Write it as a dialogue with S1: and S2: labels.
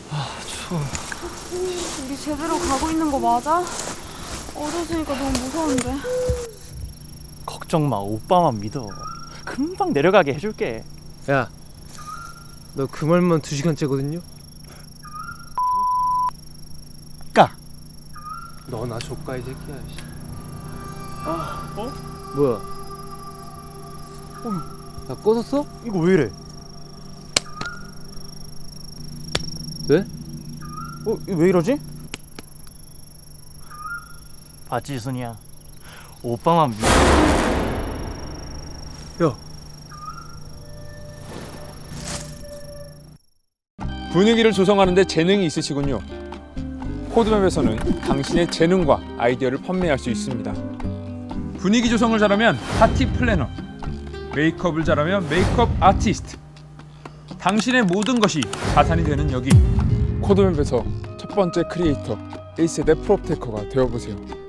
S1: 추워.
S2: 우리 제대로 가고 있는 거 맞아? 어두워지니까 너무 무서운데.
S1: 걱정 마, 오빠만 믿어. 금방 내려가게 해줄게.
S3: 야, 너 그 말만 2시간째거든요?
S1: 까.
S3: 너나 조까 이 새끼야.
S1: 어?
S3: 뭐야? 야, 꺼졌어?
S1: 이거 왜 이래?
S3: 왜?
S1: 이거 왜 이러지? 봤지, 순이야. 오빠만 믿어.
S3: 야,
S4: 분위기를 조성하는 데 재능이 있으시군요. 코드맵에서는 당신의 재능과 아이디어를 판매할 수 있습니다. 분위기 조성을 잘하면 파티 플래너, 메이크업을 잘하면 메이크업 아티스트. 당신의 모든 것이 가산이 되는 여기. 코드맵에서 첫 번째 크리에이터 1세대 프로테커가 되어보세요.